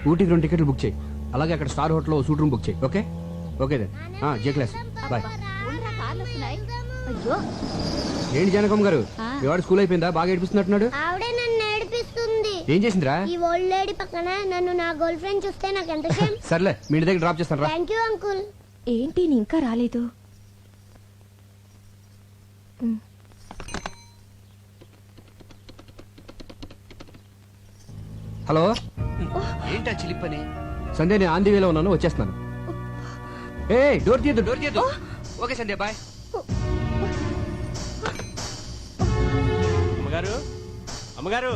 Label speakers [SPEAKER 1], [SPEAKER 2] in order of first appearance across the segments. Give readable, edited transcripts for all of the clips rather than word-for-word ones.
[SPEAKER 1] ఊటీకి 2 టికెట్లు బుక్ చేయి. అలాగే అక్కడ స్టార్ హోటల్లో సూట్ రూమ్ బుక్ చేయి. Okay okay then. J class boy. ఏంటి జానకమ్మ గారు, ఇవాడు స్కూల్ అయిపోయిందా? బాగా ఏడిపిస్తున్నట్టున్నాడు.
[SPEAKER 2] ఆవిడే నన్ను ఏడిపిస్తుంది.
[SPEAKER 1] ఏం చేసిందిరా?
[SPEAKER 2] ఈ ఓల్డ్ లేడీ పక్కన నన్ను నా గర్ల్ ఫ్రెండ్ చూస్తే నాకు ఎంత షేమ్.
[SPEAKER 1] సర్లే మీ ఇంటి దగ్గర డ్రాప్ చేస్తాను రా.
[SPEAKER 2] Thank you uncle.
[SPEAKER 3] ఏంటి ఇంకా రాలేదు?
[SPEAKER 1] హలో, ఏంటా చిలిపని? సంధ్య, నేను ఆంధీ వేలో ఉన్నాను, వచ్చేస్తున్నాను. ఏ డోర్ తీయద్దు, డోర్ తీయద్దు. Okay Sandhya bye.
[SPEAKER 4] అమ్మగారు, అమ్మగారు.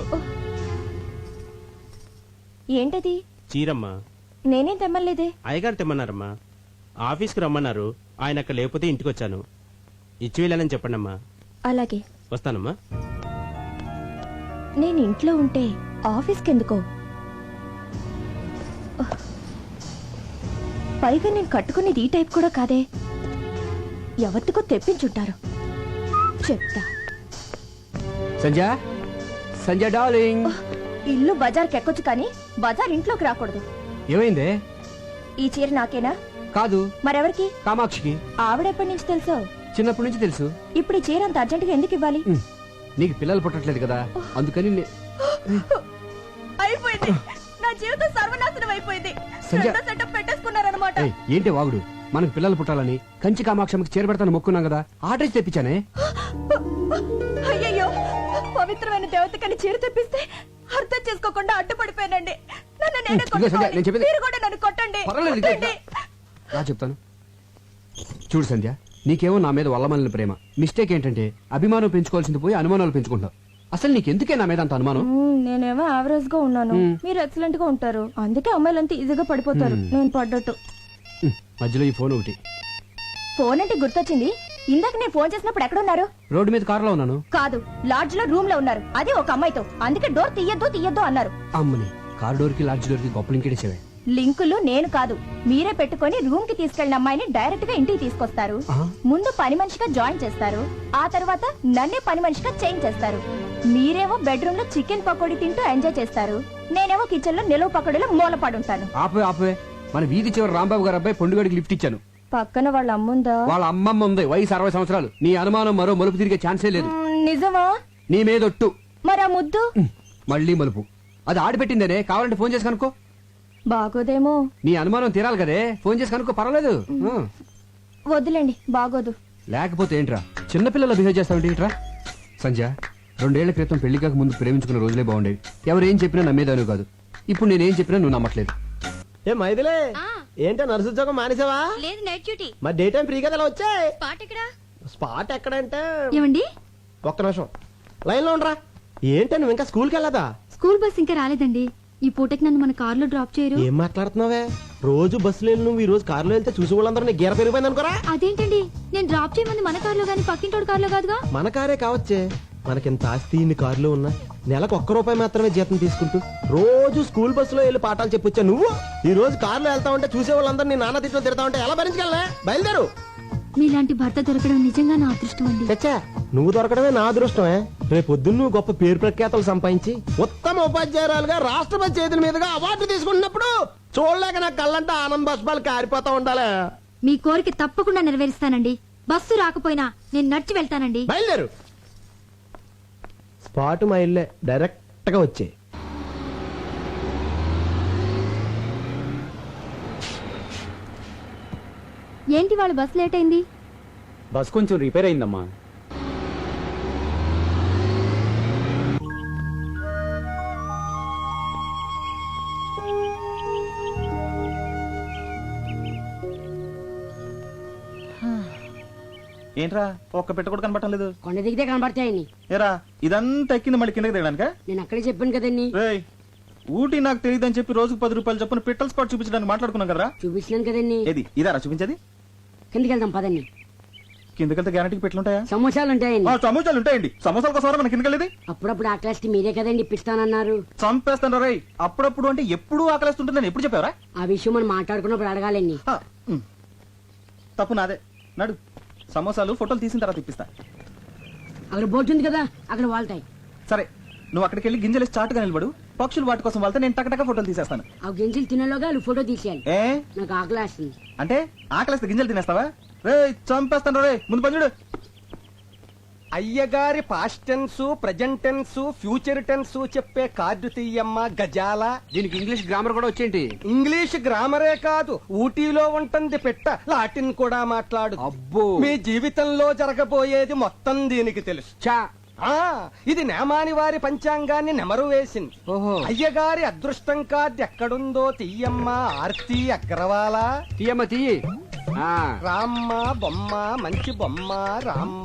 [SPEAKER 3] ఏంటది?
[SPEAKER 4] చీరమ్మా.
[SPEAKER 3] నేనేం తెమ్మలేదే.
[SPEAKER 4] అయ్యగారు తెమ్మన్నారమ్మా. ఆఫీస్కి రమ్మన్నారు, ఆయన అక్కడ లేకపోతే ఇంటికి వచ్చాను. ఇచ్చి వెళ్ళానని చెప్పండమ్మా.
[SPEAKER 3] అలాగే
[SPEAKER 4] వస్తానమ్మా.
[SPEAKER 3] నేను ఇంట్లో ఉంటే ఆఫీస్కి ఎందుకో? పైగా నేను కట్టుకునేది ఈ టైప్ కూడా కాదే. ఎవరికో తెప్పించుంటారు, చెప్తా.
[SPEAKER 1] సంధ్య, సంధ్య డార్లింగ్.
[SPEAKER 3] ఇల్లు బజార్కి ఎక్కొచ్చు కానీ బజార్ ఇంట్లోకి రాకూడదు.
[SPEAKER 1] ఏమైందే?
[SPEAKER 3] ఈ చీర నాకేనా?
[SPEAKER 1] కాదు,
[SPEAKER 3] మరెవరికి?
[SPEAKER 1] కామాక్షికి.
[SPEAKER 3] ఆవిడెప్పటి నుంచి తెలుసో?
[SPEAKER 1] చిన్నప్పటి నుంచి తెలుసు.
[SPEAKER 3] ఇప్పుడు ఈ చీర అంత అర్జెంటుగా ఎందుకు ఇవ్వాలి?
[SPEAKER 1] నీకు పిల్లలు పుట్టట్లేదు కదా, అందుకని
[SPEAKER 3] అయిపోయింది, నా జీవితం సర్వనాశనం అయిపోయింది. సెటప్ పెట్టేసుకున్నారన్నమాట.
[SPEAKER 1] ఏంటి వాగుడు? మనకు పిల్లలు పుట్టాలని కంచి కామాక్షమికి చేరబెడతాను మొక్కున్నాం కదా, ఆర్డర్ తెప్పించానే.
[SPEAKER 3] అయ్యయ్యో, పవిత్రమైన దేవతకని చీర తెప్పిస్తే అర్థం చేసుకోకుండా అడ్డుపడిపోయానండి. మీరు కూడా నన్ను కొట్టండి.
[SPEAKER 1] రా చెప్తాను. చూడు సంధ్య, నీకేమో నా మీద వల్లమల్లిన ప్రేమ. మిస్టేక్ ఏంటంటే అభిమానం పెంచుకోవాల్సింది పోయి అనుమానాలు పెంచుకుంటావు. అసలు నీకెందుకే నా మీద అంత అనుమానం?
[SPEAKER 3] నేనేమో యావరేజ్ గా ఉన్నాను, మీరు ఎక్సలెంట్ గా ఉంటారు. అందుకే అమ్మాయిలంతా ఈజీగా పడిపోతారు, నేను పడ్డట్టు.
[SPEAKER 1] మధ్యలో ఈ ఫోన్ ఒకటి.
[SPEAKER 3] ఫోన్ అంటే గుర్తొచ్చింది. ఇందాక నేను ఫోన్ చేసినప్పుడు ఎక్కడున్నారు?
[SPEAKER 1] రోడ్డు మీద కారులో ఉన్నాను.
[SPEAKER 3] కాదు, లాడ్జ్ లో రూమ్ లో ఉన్నారు, అది ఒక అమ్మాయితో. అందుకే డోర్ తీయద్దు అన్నారు.
[SPEAKER 1] అమ్మని, కార్ డోర్ కి లాడ్జ్ డోర్ కి గొప్ప లింకేసేవే.
[SPEAKER 3] లింకులు నేను కాదు, మీరే పెట్టుకొని రూమ్ కి తీసుకెళ్లిన అమ్మాయిని డైరెక్ట్ గా ఇంటికి తీసుకొస్తారు. ముందు పని మనిషిగా జాయిన్ చేస్తారు, ఆ తర్వాత నన్నే పని మనిషిగా చేంజ్ చేస్తారు. మీరేమో బెడ్రూమ్ లో చికెన్ పకోడీ తింటూ ఎంజాయ్ చేస్తారు, నేనేమో కిచెన్ లో నిలువ పకోడీలో మూలపడుంటాను.
[SPEAKER 1] ఆపే, మన వీధి చివరి రాంబాబు గారు అబ్బాయి పొండుగడికి లిఫ్ట్ ఇచ్చాను.
[SPEAKER 3] పక్కన వాళ్ళ అమ్ముందా?
[SPEAKER 1] వాళ్ళ అమ్మమ్మ ఉంది, వయసు 60 సంవత్సరాలు. నీ అనుమానం మరో మలుపు తిరిగే ఛాన్సే లేదు.
[SPEAKER 3] నిజమా?
[SPEAKER 1] నీ మీదొట్టు.
[SPEAKER 3] మరి ఆ ముద్దు?
[SPEAKER 1] మళ్ళీ మలుపు. అది ఆడిపెట్టిందనే, కావాలంటే ఫోన్ చేసి కనుక్కో.
[SPEAKER 3] బాగోదేమో.
[SPEAKER 1] నీ అనుమానం తీరాలి కదే, ఫోన్ చేసి కనుక్కో, పర్వాలేదు.
[SPEAKER 3] వద్దులేండి, బాగోదు.
[SPEAKER 1] లేకపోతే ఏంట్రా చిన్నపిల్లలు బిహేవ్ చేస్తావు? సంధ్య, 2 ఏళ్ల క్రితం పెళ్లి కాక ముందు ప్రేమించుకున్న రోజులే బాగుండేవి. ఎవరేం చెప్పినా నమ్మేదాను కాదు. ఇప్పుడు నేనేం చెప్పినా నువ్వు నమ్మట్లేదు.
[SPEAKER 5] ఏ మైదిలే, ఏంటో నర్సు ఉద్యోగం మానేసావా?
[SPEAKER 6] లేదు, నైట్ డ్యూటీ.
[SPEAKER 5] మరి డే టైం ఫ్రీ కదా, ఎలా వచ్చాయి?
[SPEAKER 6] స్పాట్
[SPEAKER 5] ఎక్కడంటే
[SPEAKER 6] ఏమండి,
[SPEAKER 5] ఒక్క నిమిషం లైన్ లో ఉండరా. ఏంటో నువ్వు ఇంకా స్కూల్కి వెళ్ళదా?
[SPEAKER 6] స్కూల్ బస్ ఇంకా రాలేదండి. ఈ పూటకి నన్ను మన కార్ లో డ్రాప్ చేయరు.
[SPEAKER 5] ఏం మాట్లాడుతున్నావే? రోజు బస్సులో వెళ్ళి నువ్వు ఈ రోజు కారులో వెళ్తే చూసి వాళ్ళందరూ నీ గీర పెరిగిపోయింది అనుకోరా.
[SPEAKER 6] అదేంటండి, నేను డ్రాప్ చేయమంది మన కార్ లో గానీ పక్కింటోడు కార్ లో కాదుగా.
[SPEAKER 5] మన కారే కావచ్చే, మనకింత ఆస్తి ఇన్ని కారులో ఉన్నా నెలకు ₹1 మాత్రమే జీతం తీసుకుంటూ రోజు స్కూల్ బస్సులో వెళ్ళి పాఠాలు చెప్పొచ్చా నువ్వు? ఈ రోజు కారులో వెళ్తా ఉంటే చూసే వాళ్ళందరూ నీ నాన్న తిట్లో తిడతా ఉంటే ఎలా భరించగలనే? బయలుదేరు.
[SPEAKER 6] మీలాంటి భర్త దొరకడం నిజంగా నా అదృష్టం అండి.
[SPEAKER 5] చచ్చా, నువ్వు దొరకడమే నా అదృష్టమే. రేపొద్దున్న నువ్వు గొప్ప పేరు ప్రఖ్యాతలు సంపాదించి ఉత్తమ ఉపాధ్యాయురాలుగా రాష్ట్రపతి చేతుల మీదుగా అవార్డు తీసుకుంటున్నప్పుడు చూడలేక నా కళ్ళంటే ఆనంద బాష్పాలు కారిపోతా ఉండాలి.
[SPEAKER 6] మీ కోరిక తప్పకుండా నెరవేరుస్తానండి. బస్సు రాకపోయినా నేను నడిచి వెళ్తానండి.
[SPEAKER 5] బయలుదేరు. స్పాట్ మా ఇల్లే, డైరెక్ట్ గా వచ్చే.
[SPEAKER 6] ఏంటి వాళ్ళ బస్ లేట్ అయింది?
[SPEAKER 1] బస్ కొంచెం రిపేర్ అయిందమ్మా.
[SPEAKER 7] ఏంట్రా ఒక్క పెట్ట కూడా కనబడటం లేదు?
[SPEAKER 8] కొండ దిగితే కనబడతాయని.
[SPEAKER 7] ఏరా ఇదంతా ఎక్కింది మళ్ళీ కిందకి దిగడానికా?
[SPEAKER 8] నేను అక్కడే చెప్పాను కదండి.
[SPEAKER 7] ఊటీ నాకు తెలియదని చెప్పి రోజుకు ₹10 చొప్పున పిట్టల స్పాట్ చూపించడానికి మాట్లాడుకున్నాం కదరా.
[SPEAKER 8] చూపించినాను కదండి.
[SPEAKER 7] ఏది ఇదారా చూపించేది?
[SPEAKER 8] కిందకి వెళ్దాం పదండి.
[SPEAKER 7] కిందకెళ్తే గ్యారంటీకి పెట్లుంటాయా?
[SPEAKER 8] సమోసాలు ఉంటాయండి.
[SPEAKER 7] సమోసాలు ఉంటాయండి. సమోసాల కోసం మన కిందకెళ్ళేది?
[SPEAKER 8] అప్పుడప్పుడు ఆ క్లాస్ మీరే కదండి ఇప్పిస్తానన్నారు.
[SPEAKER 7] చంపేస్తాను రై. అప్పుడప్పుడు అంటే ఎప్పుడు ఆకలిస్తుంటుందని ఎప్పుడు చెప్పావరా?
[SPEAKER 8] ఆ విషయం మనం మాట్లాడుకున్నప్పుడు అడగాలండి.
[SPEAKER 7] తప్పు నాదే. నడు, సమోసాలు ఫోటోలు తీసిన తర్వాత ఇప్పిస్తా.
[SPEAKER 8] అక్కడ బోర్డు ఉంది కదా, అక్కడ వాళ్తాయి.
[SPEAKER 7] సరే, నువ్వు అక్కడికి వెళ్ళి గింజలు చాటుగా నిలబడు, పక్షులు వాటి కోసం వెళ్తే నేను టకటక ఫోటోలు తీసేస్తాను.
[SPEAKER 8] ఆ గింజలు తినేలోగా వాళ్ళు ఫోటో తీసేయాలి.
[SPEAKER 7] ఏ
[SPEAKER 8] నాకు ఆకలేస్తుంది.
[SPEAKER 7] అంటే ఆకలిస్తే గింజలు తినేస్తావా? రే చంపేస్తాను రే, ముందు పని చూడు.
[SPEAKER 5] అయ్యగారి past tense, present tense, future tense చెప్పే కార్డు తీయమ్మ గజాల.
[SPEAKER 1] దీనికి ఇంగ్లీష్ గ్రామర్ కూడా వచ్చేంటి?
[SPEAKER 5] ఇంగ్లీష్ గ్రామరే కాదు, ఊటీలో ఉంటుంది పెట్ట, లాటిన్ కూడా మాట్లాడు.
[SPEAKER 1] అబ్బో.
[SPEAKER 5] మీ జీవితంలో జరగబోయేది మొత్తం దీనికి తెలుసు.
[SPEAKER 1] చా.
[SPEAKER 5] ఆ ఇది నేమాని వారి పంచాంగాన్ని నెమరు వేసింది.
[SPEAKER 1] ఓహో.
[SPEAKER 5] అయ్యగారి అదృష్టం కార్డు ఎక్కడుందో తీయమ్మ ఆర్తి అగ్రవాల.
[SPEAKER 1] తీయమ్మ తీయి. ఆ.
[SPEAKER 5] రామ్మ బొమ్మ, మంచి బొమ్మ రామ్మ.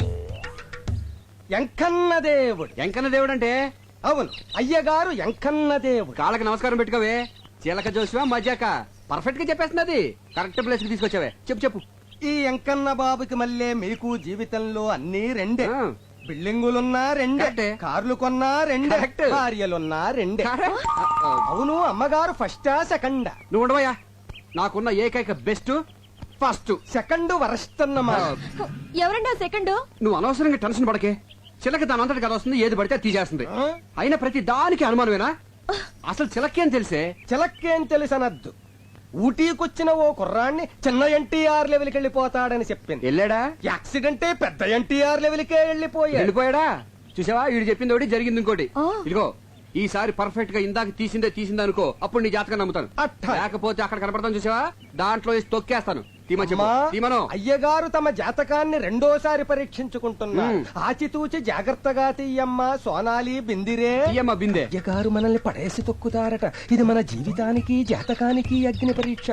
[SPEAKER 5] ఎంకన్న దేవుడు.
[SPEAKER 1] ఎంకన్న దేవుడు అంటే?
[SPEAKER 5] అవును, అయ్యగారు ఎంకన్న దేవుడు.
[SPEAKER 1] కాళ్ళకి నమస్కారం పెట్టుకోవే. చీలక జోసివా మజాక పర్ఫెక్ట్ గా చెప్పేస్తున్నది. కరెక్ట్ ప్లేస్ కి తీసుకొచ్చావే. చెప్పు చెప్పు.
[SPEAKER 5] ఈ ఎంకన్న బాబుకి మళ్ళీ మీకు జీవితంలో అన్ని రెండే.
[SPEAKER 1] ఆ.
[SPEAKER 5] బిల్డింగులున్నా రెండే,
[SPEAKER 1] కరెక్టే.
[SPEAKER 5] కార్లు కొన్నా రెండే,
[SPEAKER 1] కరెక్ట్.
[SPEAKER 5] భార్యలున్నా రెండే.
[SPEAKER 1] Correct.
[SPEAKER 5] అవును, అమ్మగారు ఫస్టా సెకండా?
[SPEAKER 1] నువ్వు ఉండవయ్యా. నాకున్న ఏకైక బెస్ట్ ఫస్ట్.
[SPEAKER 5] సెకండ్ వరస్ట్ అన్నమాట.
[SPEAKER 3] ఎవరండి సెకండ్?
[SPEAKER 1] నువ్వు అనవసరంగా టెన్షన్ పడకే. చిలక దాని అంతటి కదా వస్తుంది, ఏది పడితే అది తీసేస్తుంది.
[SPEAKER 5] ఆ?
[SPEAKER 1] అయినా ప్రతి దానికి అనుమానమేనా? అసలు చిలకేం తెలిసే?
[SPEAKER 5] చిలక్కేం తెలుసనద్దు. ఊటీకొచ్చిన ఓ కుర్రాన్ని చిన్న ఎన్టీఆర్ లెవెల్కి వెళ్ళిపోతాడని చెప్పింది.
[SPEAKER 1] వెళ్ళాడా?
[SPEAKER 5] యాక్సిడెంటే పెద్ద ఎన్టీఆర్ లెవెల్కే వెళ్ళిపోయాడు.
[SPEAKER 1] వెళ్ళిపోయాడా? చూసావా, వీడు చెప్పింది ఒకటి జరిగింది ఇంకోటి.
[SPEAKER 3] ఆ.
[SPEAKER 1] ఇదిగో ఈసారి పర్ఫెక్ట్ గా ఇందాక తీసిందే అనుకో, అప్పుడు నీ జాతకం నమ్ముతాను.
[SPEAKER 5] అట్టా.
[SPEAKER 1] లేకపోతే అక్కడ కనపడతాను చూసావా, దాంట్లో వేసి తొక్కేస్తాను. తీమ చెప్పు.
[SPEAKER 5] అమ్మా,
[SPEAKER 1] తీమను.
[SPEAKER 5] అయ్యగారు తమ జాతకాన్ని రెండోసారి పరీక్షించుకుంటున్నారు. ఆచితూచి జాగ్రత్తగా తీయమ్మ సోనాలి బిందిరే.
[SPEAKER 1] తీయమ్మ బిందె.
[SPEAKER 5] అయ్యగారు మనల్ని పడేసి తొక్కుతారట. ఇది మన జీవితానికి జాతకానికి అగ్ని పరీక్ష.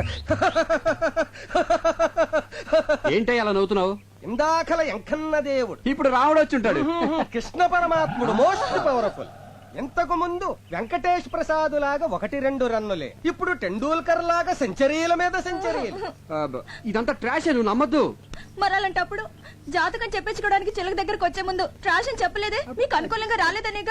[SPEAKER 1] ఏంటయ్య అలా నవ్వుతున్నావు?
[SPEAKER 5] ఇందాకల ఎంకన్న దేవుడు,
[SPEAKER 1] ఇప్పుడు రాముడు వచ్చి ఉంటాడు.
[SPEAKER 5] కృష్ణ పరమాత్ముడు మోస్ట్ పవర్ఫుల్. ఇంతకు ముందు వెంకటేష్ ప్రసాద్ లాగా 1-2 రన్నులే, ఇప్పుడు టెండూల్కర్ లాగా సెంచరీల మీద సెంచరీలు.
[SPEAKER 1] ఇదంతా ట్రాష్, నువ్వు నమ్మద్దు.
[SPEAKER 3] మరి అలాంటప్పుడు జాతకం చెప్పించుకోవడానికి చిలక దగ్గరకు వచ్చే ముందు ట్రాష్ అని చెప్పలేదే? మీకు అనుకూలంగా రాలేదనేగా?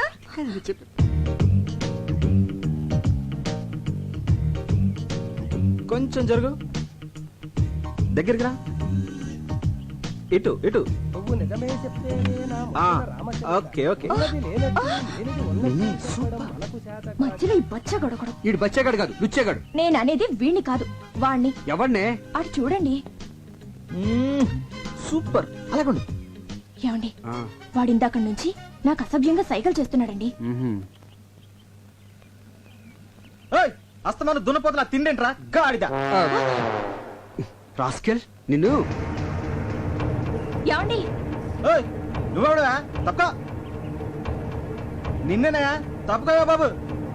[SPEAKER 7] కొంచెం జరుగు, దగ్గరికి రా. ఇటు ఇటు.
[SPEAKER 5] నువ్వు నిజమే చెప్తేనే నా
[SPEAKER 7] ఆ,
[SPEAKER 5] మనసున రామచంద్ర.
[SPEAKER 7] Okay okay.
[SPEAKER 5] ఉన్నది లేనట్టు, లేనిది ఉన్నట్టు చెప్పడం మనకు చేత కాదు.
[SPEAKER 3] మధ్యలో ఈ బచ్చ గొడగడం.
[SPEAKER 1] వీడు బచ్చేగాడు కాదు, లుచ్చేగాడు.
[SPEAKER 3] నేను అనేది వీణ్ణి కాదు, వాణ్ణి.
[SPEAKER 1] ఎవరినే?
[SPEAKER 3] అటు చూడండి.
[SPEAKER 7] సూపర్, అలాగండు.
[SPEAKER 3] ఏమండి, వాడిందాక నుంచి నాకు అసభ్యంగా సైకిల్ చేస్తున్నాడండి.
[SPEAKER 7] ఏయ్, అస్తమాను దున్నపోతున్నా తిండేంట్రా గాడిద.
[SPEAKER 1] రాస్కెల్ నిన్ను.
[SPEAKER 3] ఏమండి,
[SPEAKER 7] ఏయ్, నువ్వెవడువా? తప్ప నిన్నేనా? తప్పుకోవా బాబు.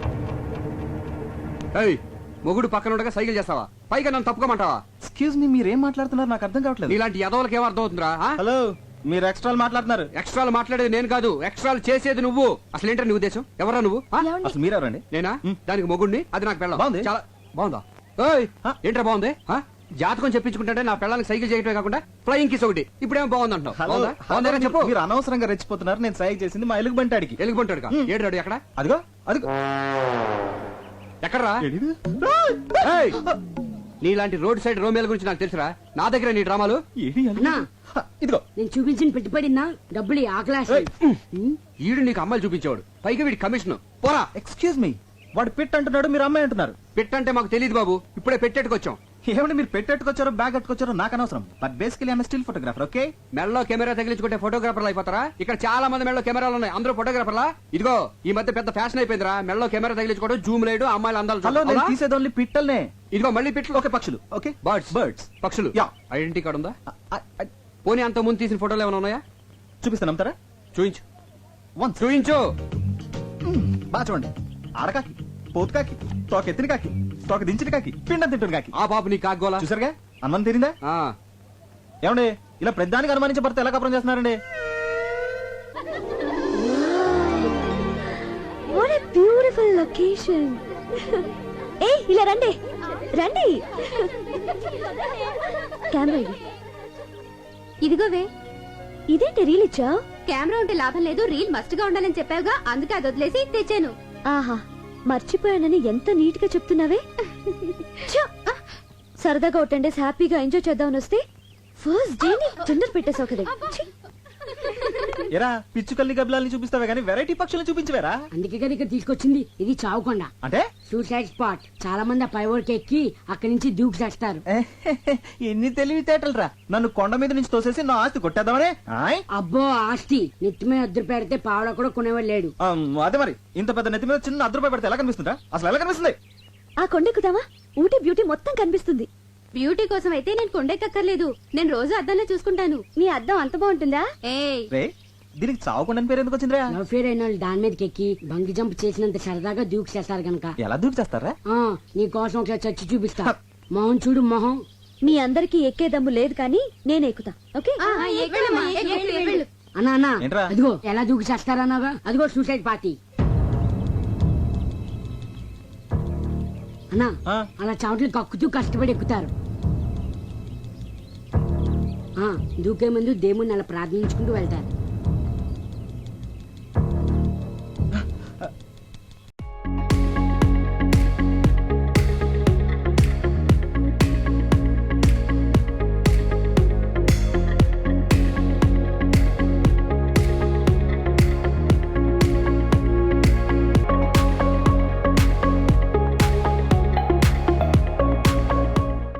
[SPEAKER 1] ఏయ్, మొగుడు పక్కన ఉండగా సైకిల్ చేస్తావా? పైగా నన్ను తప్పుకోమంటావా?
[SPEAKER 7] ఎక్స్క్యూజ్ మీ, మీరేం మాట్లాడుతున్నారు నాకు అర్థం కావట్లేదు.
[SPEAKER 1] నీలాంటి యదవులకి ఏం అర్థం అవుతుందిరా?
[SPEAKER 7] హలో, మీరు ఎక్స్ట్రాలు మాట్లాడుతున్నారు.
[SPEAKER 1] ఎక్స్ట్రాలు మాట్లాడేది నేను కాదు, ఎక్స్ట్రాలు చేసేది నువ్వు. అసలు ఏంటో నీ ఉద్దేశం? ఎవరా నువ్వు? ఆ?
[SPEAKER 3] ఏమండి?
[SPEAKER 7] అసలు మీరెవరండి?
[SPEAKER 1] నేనా? దానికి మొగుడిని, అది నాకు పెళ్ళం.
[SPEAKER 7] బాగుంది.
[SPEAKER 1] చాలా బాగుందా? ఏయ్,
[SPEAKER 7] ఆ?
[SPEAKER 1] ఏంట్రా బాగుంది? ఆ? జాతకం చెప్పించుకుంటే నా పెళ్ళానికి సైకిల్ చేయటమే కాకుండా ఫ్లయింగ్ కిస్ ఒకటి. ఇప్పుడేమో బాగుంది అంటావు.
[SPEAKER 7] హలో,
[SPEAKER 1] బాగుందా? బాగుందేనా చెప్పు.
[SPEAKER 7] మీరు అనవసరంగా రెచ్చిపోతున్నారు. నేను సైకి చేసింది మా ఎలుగు బంటాడికి.
[SPEAKER 1] ఎలుగుబంటాడు ఏడు ఎక్కడ?
[SPEAKER 7] అదిగో అదిగో.
[SPEAKER 1] ఎక్కడరా?
[SPEAKER 7] ఏడిది?
[SPEAKER 1] ఏయ్, నీలాంటి రోడ్ సైడ్ రోమేల గురించి నాకు తెలుసురా. నా దగ్గర నీ డ్రామాలు.
[SPEAKER 7] ఏడి అన్న?
[SPEAKER 8] అన్నా,
[SPEAKER 7] ఇదిగో.
[SPEAKER 8] నేను చూపించిన పెట్టుబడినా డబ్బులు ఆకలేస్తుంది.
[SPEAKER 1] ఈడు నీకు అమ్మాయిలు చూపించేవాడు, పైగా వీడి కమిషన్. పోరా.
[SPEAKER 7] ఎక్స్క్యూజ్ మీ, వాడు పిట్ అంటున్నాడు, మీరు అమ్మాయి అంటున్నారు.
[SPEAKER 1] పెట్టంటే మాకు తెలియదు బాబు, ఇప్పుడే పెట్టేట్టుకొచ్చాం.
[SPEAKER 7] ఏమంటే మీరు పెట్టెట్టుకొచ్చారో బ్యాగ్ కట్టుకొచ్చారో నాకు అనవసరం. But basically I'm still photographer. Okay,
[SPEAKER 1] మెడలో కెమెరా తగిలించుకుంటే ఫోటోగ్రాఫర్లు అయిపోతారా? ఇక్కడ చాలా మంది మెడలో కెమెరాలు ఉన్నాయి, అందరూ ఫోటోగ్రాఫర్లా? ఇదిగో ఈ మధ్య పెద్ద ఫ్యాషన్ అయిపోయిందిరా మెడలో కెమెరా తగిలించుకోవడం, జూమ్ లేడు, అమ్మాయిలు అందాలు
[SPEAKER 7] హలో, నేను
[SPEAKER 1] అవునా?
[SPEAKER 7] తీసేది ఓన్లీ పిట్టల్నే.
[SPEAKER 1] ఇదిగో మళ్ళీ పిట్లు.
[SPEAKER 7] ఓకే, పక్షులు. Okay,
[SPEAKER 1] birds
[SPEAKER 7] birds.
[SPEAKER 1] పక్షులు.
[SPEAKER 7] యా.
[SPEAKER 1] ఐడెంటిటీ కార్డు ఉందా? పోనీ అంత ముందు తీసిన ఫోటోలు ఏమైనా ఉన్నాయా?
[SPEAKER 7] చూపిస్తాను, నమ్ముతారా?
[SPEAKER 1] చూయించు
[SPEAKER 7] వన్స్.
[SPEAKER 1] చూయించు.
[SPEAKER 7] బాగా చూడండి. ఆడకాకి, పోతు కాకి, తోక ఎత్తిన కాకి, తోక దించిన కాకి, పిండం తింటున్న కాకి.
[SPEAKER 1] ఆ పాప నీ కాగోలా.
[SPEAKER 7] చూసారుగా, అనుమానం తీరిందా?
[SPEAKER 1] ఆ,
[SPEAKER 7] ఏమండి, ఇలా ప్రతిదానికి అనుమానించే భర్త ఎలా కపరం చేస్తున్నారండి?
[SPEAKER 3] What a beautiful location. ఏయ్, ఇలా రండి రండి. కెమెరా ఇది. ఇదిగోవే. ఇదేంటి రీల్ ఇచ్చా?
[SPEAKER 2] కెమెరా ఉంటే లాభం లేదు, రీల్ మస్ట్ గా ఉండాలని చెప్పావుగా, అందుకే అది వదిలేసి తెచ్చాను.
[SPEAKER 3] ఆహా, మర్చిపోయానని ఎంత నీట్ గా చెప్తున్నావే. ఛ! సరదాగా ఒక 10 days హ్యాపీగా ఎంజాయ్ చేద్దామని వస్తే ఫస్ట్ డే ని తొందర పెట్టేసావు కదా. ఛీ!
[SPEAKER 7] ఎరా పిచ్చుకల్ని గబ్బిలాల్ని చూపిస్తావే కానీ వెరైటీ పక్షుల్ని చూపించవేరా
[SPEAKER 8] అందుకే కదా ఇక్కడ తీసుకొచ్చింది ఇది చావుకొండ
[SPEAKER 7] అంటే
[SPEAKER 8] సూసైడ్ స్పాట్ చాలా మంది ఆ పైవోడికి ఎక్కి అక్కడి నుంచి దూకి చేస్తారు
[SPEAKER 7] ఎన్ని తెలివితేటలు రా నన్ను కొండ మీద నుంచి తోసేసి నా ఆస్తి కొట్టేద్దామనే ఆయ్?
[SPEAKER 8] అబ్బో ఆస్తి నెత్తి మీద అద్దరు పెడితే పావడ కూడా కొనేవాడు లేడు
[SPEAKER 7] అదే మరి ఇంత పెద్ద నెత్తి మీద చిన్న అర్ధ రూపాయి పెడితే ఎలా కనిపిస్తుందా అసలు ఎలా కనిపిస్తుంది
[SPEAKER 3] ఆ కొండెక్కుదామా ఊటీ బ్యూటీ మొత్తం కనిపిస్తుంది.
[SPEAKER 2] బ్యూటీ కోసం అయితే నేను కొండెక్కర్లేదు, నేను రోజు అద్దంలో చూసుకుంటాను.
[SPEAKER 3] నీ అద్దం అంత బాగుంటుందా?
[SPEAKER 2] ఏయ్
[SPEAKER 7] రే దీనికి చావకుండా పేరు ఎందుకు వచ్చిందిరా
[SPEAKER 8] లవ్ ఫేర్ అయిన వాళ్ళు దాని మీదకి ఎక్కి బంగి జంప్ చేసినంత సరదాగా దూకి చేస్తారు గనక
[SPEAKER 7] ఎలా దూకి చేస్తారా
[SPEAKER 8] నీ కోసం ఒకసారి చచ్చి చూపిస్తా మొహం చూడు మొహం.
[SPEAKER 3] మీ అందరికి ఎక్కే దమ్ము లేదు కానీ నేను ఎక్కుతా. ఓకే
[SPEAKER 2] ఆ, ఎక్కువమ్మా, ఎక్కు, వెళ్ళు.
[SPEAKER 8] అన్నా అన్నా
[SPEAKER 7] ఏంట్రా?
[SPEAKER 8] అదిగో ఎలా దూకి చేస్తారన్నాగా అదిగో సూసైడ్ పార్టీ. అన్నా
[SPEAKER 7] ఆ.
[SPEAKER 8] అలా చావట్లు కక్కుతూ కష్టపడి ఎక్కుతారు. దూకే ముందు దేవుణ్ణి అలా ప్రార్థించుకుంటూ వెళ్తారు.